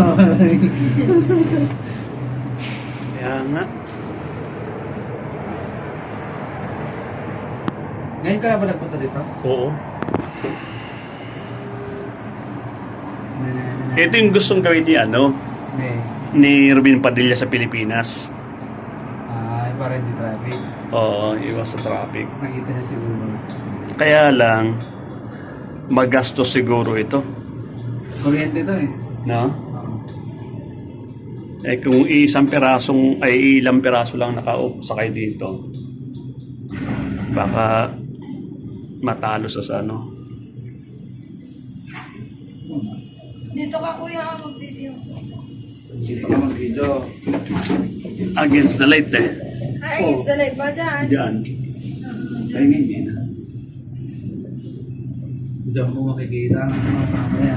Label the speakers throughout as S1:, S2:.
S1: Kaya nga.
S2: Ngayon ka na ba nagpunta dito?
S1: Oo. Ito yung gustong gawin ni ni Ruben Padilla sa Pilipinas.
S2: Para hindi traffic.
S1: Oo, iwas sa traffic.
S2: Nakita na siguro.
S1: Kaya lang, magastos siguro ito.
S2: Kuryente to eh.
S1: No? Eh kung ilang piraso lang sakay dito, baka matalo sa ano.
S3: Dito ka kuya mag-video.
S2: Sige ka mag-video.
S1: Against the light eh.
S3: Ay, sa live ba dyan?
S1: Diyan. Ay, hindi na.
S2: Diyan mo makikita ang mga mamaya.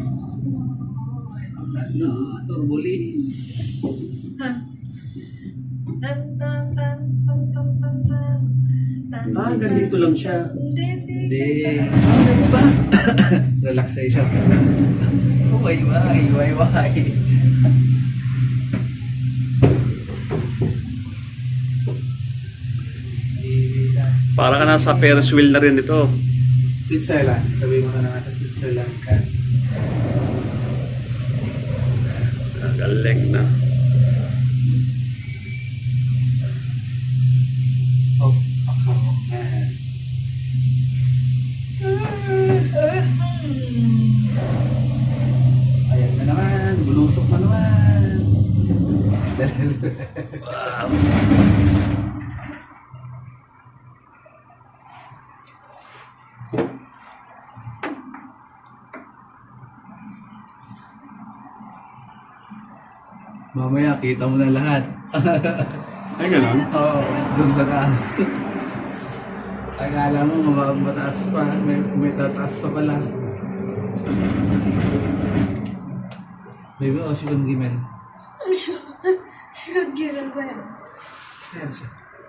S2: Turbulin.
S3: Tan tan tan tan tan tan tan tan.
S1: Ganito lang siya.
S2: Hindi. Ano ba? Relaxation. Why.
S1: Para ka nasa Ferris wheel na rin ito.
S2: Switzerland. Sabi mo na nga sa Switzerland ka.
S1: Galing na.
S2: Of man. Ayan na naman. Bulusok na naman.
S1: Wow.
S2: Mamaya, kita mo na lahat.
S1: Ay, gano'n?
S2: Oo, dun sa taas. Akala mo mataas pa, may tataas pa pala. Baby, si Kong Gimel.
S3: Ano siya? Siya given ba yan?
S2: Ayan siya.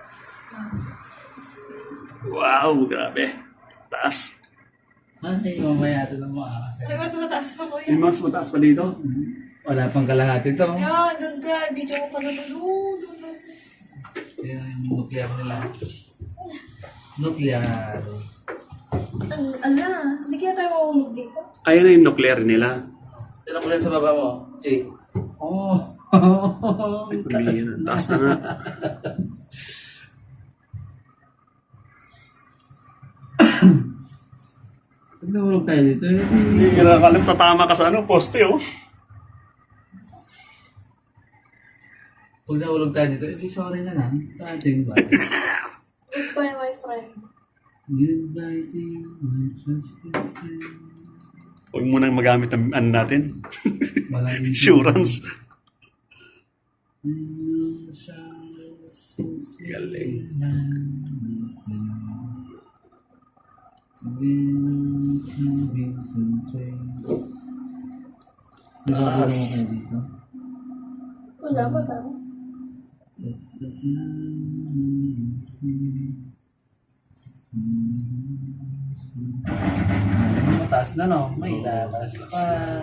S1: Wow, grabe. Taas.
S2: Ay, mamaya ito na mo.
S3: Ay, mas mataas pa kuya.
S1: Yung mas mataas pa dito.
S2: Wala pang kalahati ito.
S3: Yan, doon ka. Video ko pa na doon.
S2: Yan yung nuclear nila. Nuclear.
S3: Ala, hindi kaya tayo mahulog dito.
S1: Ayan na yung nuclear nila.
S2: Tira mo lang sa baba mo, Jay. Oh.
S1: Ay, pamilya na. Taas na nga.
S2: Pag nahulog tayo dito,
S1: Hindi ka nakakalap. Tatama ka sa poste oh.
S2: pag nahulog tayo dito, sorry na lang sa ating bye.
S3: Goodbye, my friend.
S2: Goodbye to you, my trusted friend.
S1: Huwag mo nang magamit ang natin.
S2: Walang
S1: Insurance.
S2: Since we
S1: Galing. Taas.
S3: Wala pa tayo.
S2: Mataas na no? May tataas pa.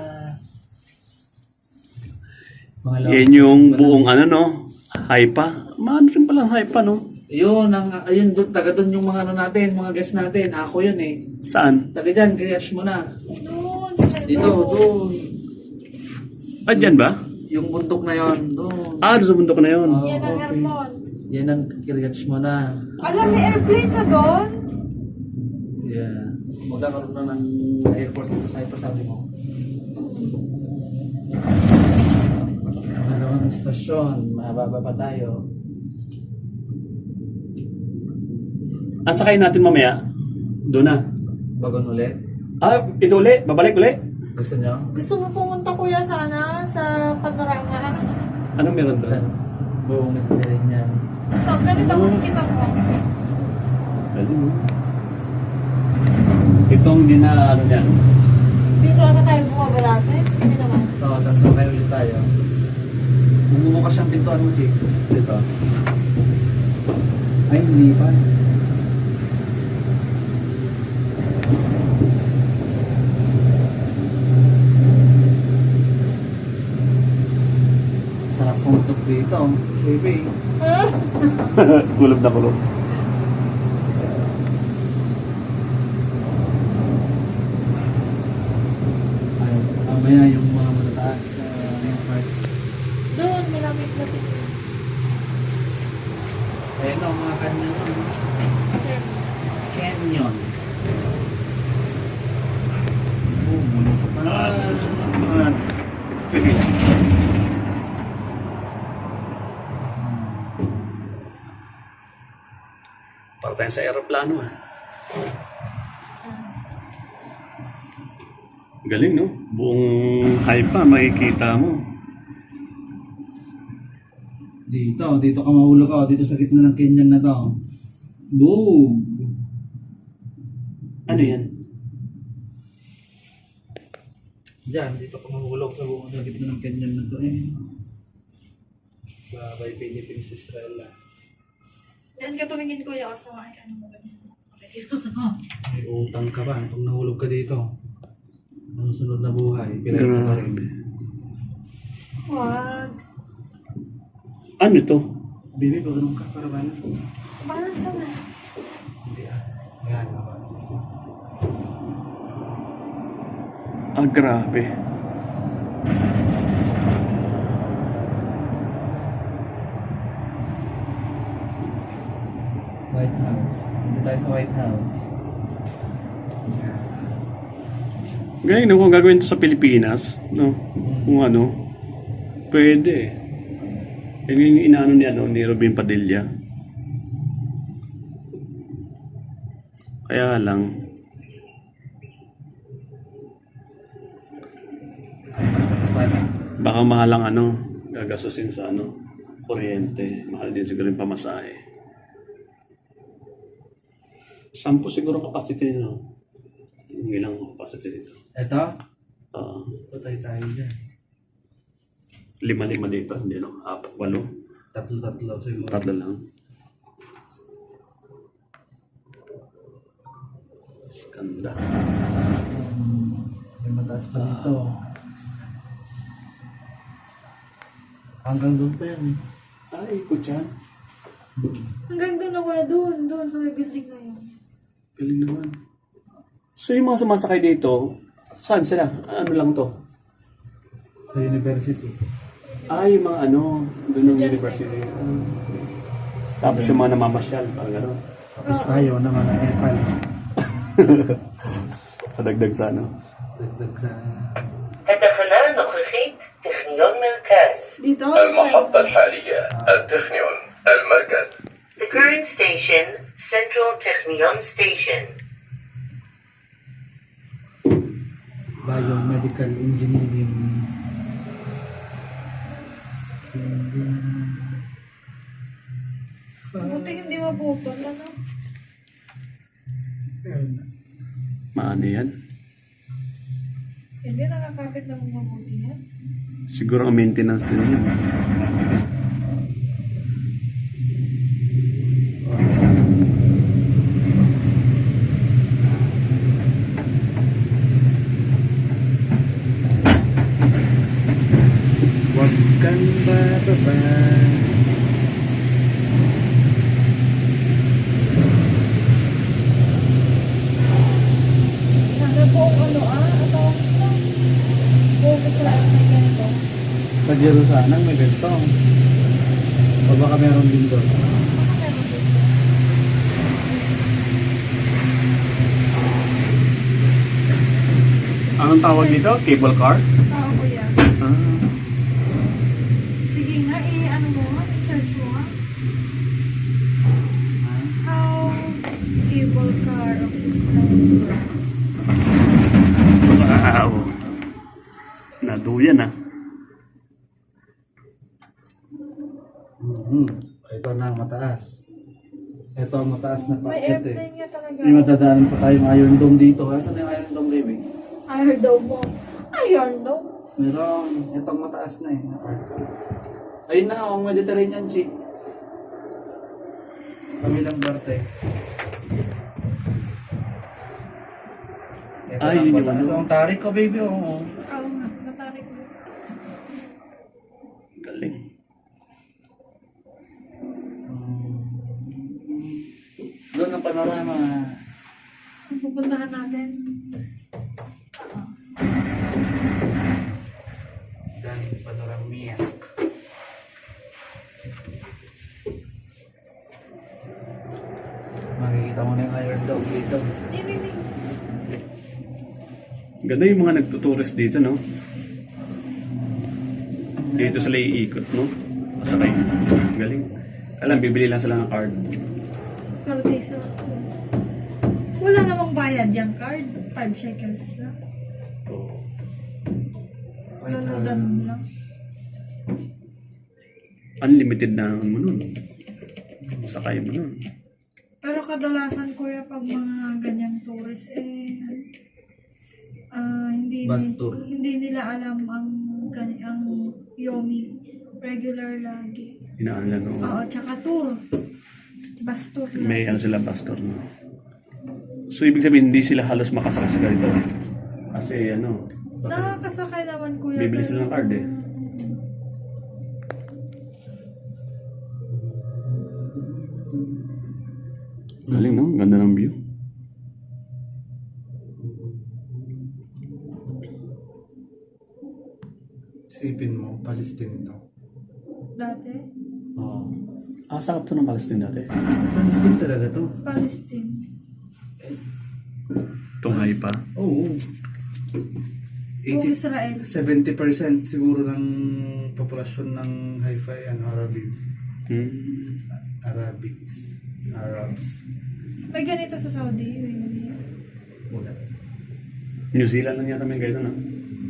S1: Yan yung buong high pa. Maano rin palang high pa, no?
S2: Yun, ayun, taga doon yung mga natin, mga guest natin. Ako yun eh.
S1: Saan?
S2: Taga dyan, crash mo na.
S3: Doon.
S2: Dito, doon.
S1: Ah, dyan ba?
S2: Yung bundok na yun, doon.
S1: Doon sa bundok na yun.
S3: Yan ang Hermon.
S2: Yan ang crash mo na.
S3: Alam, may airplane na doon.
S2: Yeah. Magkakaroon na ng airport sa Cyprus, sabi mo. Magkakaroon ng stasyon, mababa pa tayo.
S1: Ang sakay natin mamaya, doon na.
S2: Bagon ulit.
S1: Ito uli, babalik uli.
S2: Gusto nyo?
S3: Gusto mo pumunta kuya sana sa panorama?
S1: Anong meron doon?
S2: Dan, buong nagtirin yan.
S3: Ito, ganito makikita mo.
S1: Itong din na yan.
S3: Dito ata tayo bumaba dati. Hindi naman.
S2: Oo, tapos makay ulit tayo. Bumubukas ang pintuan mo, Jake.
S1: Dito.
S2: Ay, hindi pa. Dito, baby.
S1: Kulob na kulob.
S2: Ay, mamaya yung mga matataas na yung part.
S3: Doon, malapit-lapit.
S2: Ayun o, mga canyon. Canyon. Oh, mulusok na naman.
S1: Para tayong sa aeroplano ah. Galing no? Buong Haifa makikita mo.
S2: Dito ka mahulog ka. Dito sa gitna ng canyon na to. Boom!
S1: Ano yan?
S2: Diyan, dito ka mahulog sa gitna ng canyon na to eh. Babay Philippines, Israel ah.
S3: Yan ka tumingin ko yung sa ay ano mo ganyan.
S2: May utang ka ba? Pag nahulog ka dito, ang sunod na buhay, pilay ka pa rin.
S3: Wag.
S1: Ano to?
S2: Baby, pag ganun ka, para ba na?
S3: Parang sama.
S2: Hindi ah. Ayan,
S1: Ah, grabe.
S2: White House. Hindi tayo sa White House.
S1: Galing no? Kung gagawin to sa Pilipinas, no? Kung ano, pwede. Yan yung inaano ni Robin Padilla. Kaya lang, baka mahal ang ano, gagasusin sa ano, kuryente. Mahal din siguro yung pamasahe. 10 siguro capacity nyo. Yung ilang capacity dito.
S2: Ito?
S1: Ah,
S2: Patay tayo dyan.
S1: 5 dito, hindi no? 4, 8.
S2: Tatlo siguro.
S1: 3 lang. Skanda.
S2: May mataas pa dito. Hanggang doon pa yan eh.
S1: Ay, kutyan.
S3: Hanggang doon ako na doon sa may building na yun.
S1: Galing naman. So yung mga sumasakay dito, saan sila? Ano lang to?
S2: Sa university.
S1: Ah, yung mga ano, doon ng university. Tapos yung mga namamasyal, parang gano'n.
S2: Tapos tayo naman ang epal.
S1: Kadagdag sa ano.
S2: Dagdag sa...
S4: התחנה הנוכחית, טכניון מרכז.
S3: Dito?
S5: المحطة الحالية التخنيون المركز.
S4: The current station, Central Technion Station.
S2: Biomedical engineering.
S3: Buti hindi maputol, ano?
S1: Maano yan?
S3: Hindi nakakapit na mga mabuti yan.
S1: Siguro ang maintenance din yun.
S2: Huwag kang bababa.
S3: Sana po ano ito. Focus na may ganito.
S2: Sa Jerusalem may ganito. O baka meron din doon.
S1: Anong tawag dito? Cable car?
S3: Oo, kuya.
S1: Ah.
S3: Sige nga, ano mo nga, i-search mo nga. How cable car of Islam works.
S1: Wow. Naduyan ah.
S2: Ito na ang mataas. Ito ang mataas na
S3: May
S2: packet eh.
S3: airplane nga talaga.
S2: May matadaanan pa tayong Iron Dome dito. Asan yung Iron Dome, baby?
S3: Iron Dome mo. Iron Dome?
S2: Meron. Itong mataas na eh. Ayun na, ang Mediterranean Sea. Sa kabilang parte. Ito
S1: Ay,
S2: ang
S1: yun yung
S2: mataas.
S1: ano.
S2: Ang tarik ko, baby. Oo.
S3: Oo nga, natarik mo.
S1: Galing.
S2: ng panorama.
S3: Ang pupuntahan natin.
S2: Dahil panoramia. Makikita mo na yung Iron Dome dito.
S3: Hindi.
S1: Ganda yung mga nagtutourist dito, no? Dito sila iikot, no? Masakay. Galing. Alam, bibili lang sila ng card.
S3: Kartesa. Wala namang bayad yung card. 5 shekels lang.
S1: Oo.
S3: Luludan mo lang.
S1: Unlimited na naman mo nun. Sakay mo nun.
S3: Pero kadalasan kuya pag mga ganyang tourist
S2: Bus tour.
S3: hindi nila alam ang Yomi regular lagi.
S1: Hinaan lang, no?
S3: Oo, tsaka tour. Bus tour lang.
S1: May ano sila, pastor, no? So, ibig sabihin, hindi sila halos makasakay sa ganito. Kasi, ano,
S3: Nakakasakay naman kuya.
S1: bibili sila ng card, eh. Galing, no? Ganda ng view.
S2: Isipin mo, Palestine to.
S3: Dati?
S2: Oo.
S1: Sakap to ng Palestine dati.
S2: Palestine talaga to.
S3: Palestine.
S1: Itong Haifa.
S2: Oo.
S3: Kung Israel.
S2: 70% siguro ng populasyon ng Haifa ay Arabic. Arabs.
S3: May ganito sa Saudi. May ganito.
S2: Wala.
S1: New Zealand lang yata may ganito, no?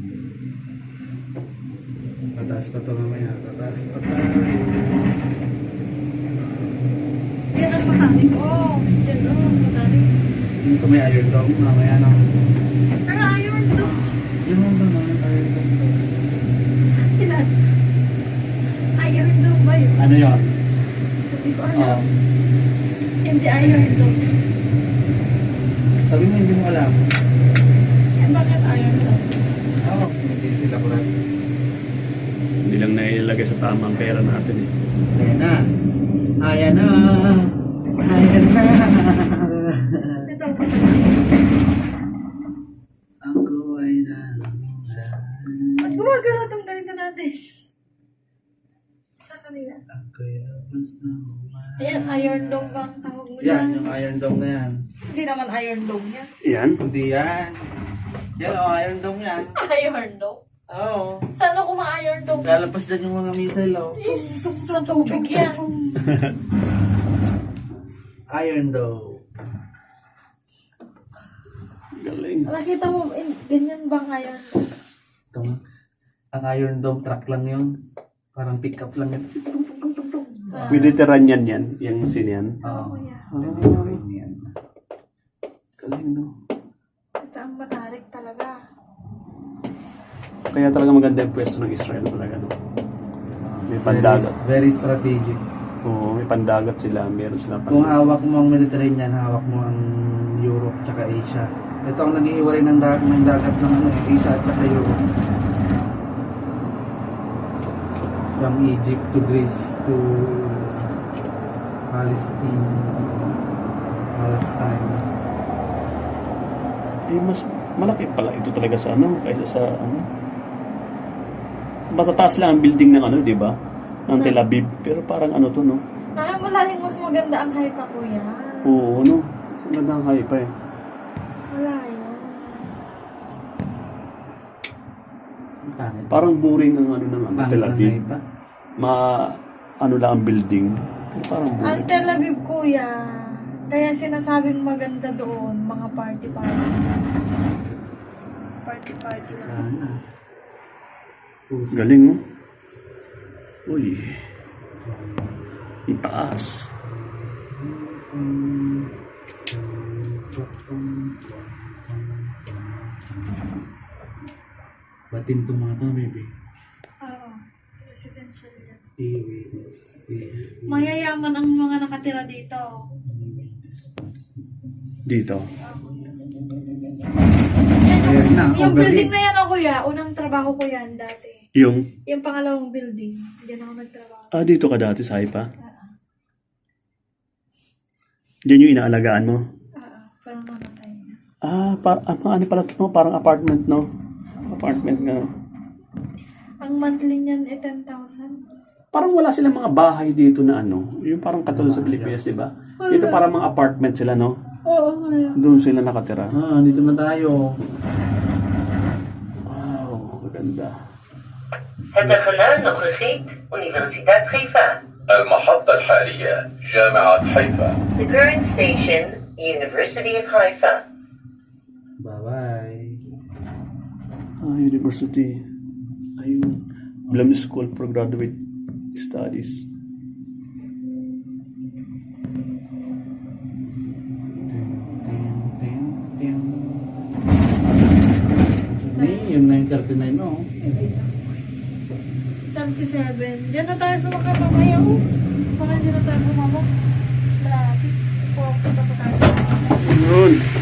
S2: Tataas pa to mamaya. Tataas pa tayo.
S3: Yan ang matarik. Oh, dyan matarik.
S2: Yung sa may Iron Dome, mamaya na.
S3: Pero iron to.
S2: Yung mga naman Iron Dome.
S3: Ilan? Iron dome ba yun?
S2: Ano yun?
S3: Hindi ko alam. Hindi iron dome.
S2: Sabi mo hindi mo alam.
S3: Yan bakit iron dome?
S2: Oo. Hindi sila kurang.
S1: Hindi lang nailagay sa tamang pera natin, eh.
S2: Ayan na. Ayan na. Ayan na.
S3: Ito.
S2: Ako ay na.
S3: Ba't gumagano itong ganito natin? Sa kanila.
S2: Ako'y labas na
S3: Ayan, iron dome ba ang tawag mo
S2: Yan,
S3: dyan?
S2: yung Iron Dome na yan.
S3: Hindi naman iron dome yan.
S1: Yan.
S2: Hindi yan. Yan o, Iron Dome yan.
S3: Iron dome?
S2: Oo.
S3: Saan ako ma-iron dome?
S2: Lalabas dyan yung mga missile o.
S3: Is, sa tubig yan.
S2: Iron Dome.
S1: Galing.
S3: Nakita mo, ganyan ba iron dome?
S2: Ito nga. Ang Iron Dome truck lang yun. Parang pick up lang yun.
S1: Mediterranean yan. Yung scene yan.
S3: Oo, kuya.
S2: Yan.
S1: Galing, no?
S3: Ito ang matarik talaga.
S1: Kaya talaga maganda yung pwesto ng Israel talaga, no? May pandagat.
S2: Very strategic.
S1: Oo, may pandagat sila. Meron sila
S2: Kung hawak mo ang Mediterranean, hawak mo ang Europe tsaka Asia. Ito ang nag-iiwalay ng dagat ng Asia at saka Europe. From Egypt to Greece to Palestine.
S1: Eh, mas malaki pala ito talaga sa ano, kaysa sa ano. Matataas lang ang building ng ano, di ba? Ng Tel Aviv. Pero parang ano to, no?
S3: Malayong mas maganda ang Haifa, kuya.
S1: Oo, no? Ang ganda ang Haifa, eh.
S3: Malayo.
S1: Parang boring ang ano ng ano, Tel Aviv.
S2: Pa.
S1: Ano lang ang building. Pero parang
S3: Ang
S1: boring.
S3: Tel Aviv, kuya. Kaya sinasabing maganda doon, mga party-party. Party-party lang.
S1: Galing, no? Uy. Itaas.
S2: Batin itong mga ito, baby.
S3: Oo. Residential yan.
S2: PWS.
S3: Mayayaman ang mga nakatira dito.
S1: Dito.
S2: Ayan na,
S3: Yung
S2: overhead.
S3: building na yan, o kuya, unang trabaho ko yan dati.
S1: Yung,
S3: Yung pangalawang building, diyan ako nagtrabaho.
S1: dito ka dati sa Haifa? Diyan yung inaalagaan mo.
S3: Parang mamatay na.
S1: Ano pala ito, no? Parang apartment, no? Apartment nga, no?
S3: Ang monthly niyan ay 10,000.
S1: Parang wala silang mga bahay dito na ano. Yung parang katulad sa Pilipinas, di ba? Dito parang mga apartment sila, no?
S3: Oo, kaya.
S1: Doon sila nakatira.
S2: Dito na tayo.
S1: Wow, maganda.
S4: התחנה הנוכחית, אוניברסיטת חיפה.
S5: المحطة الحالية جامعة حيفا.
S4: The current station, University of Haifa.
S2: Bye-bye.
S1: University. Ayun. Blam School for Graduate Studies.
S2: Yung 9:39, no?
S3: 37. Diyan na tayo sumakay mamaya. Oh. Baka hindi na tayo bumaba. Mas malapit. Pupunta pa tayo sa mamaya.
S1: Yun.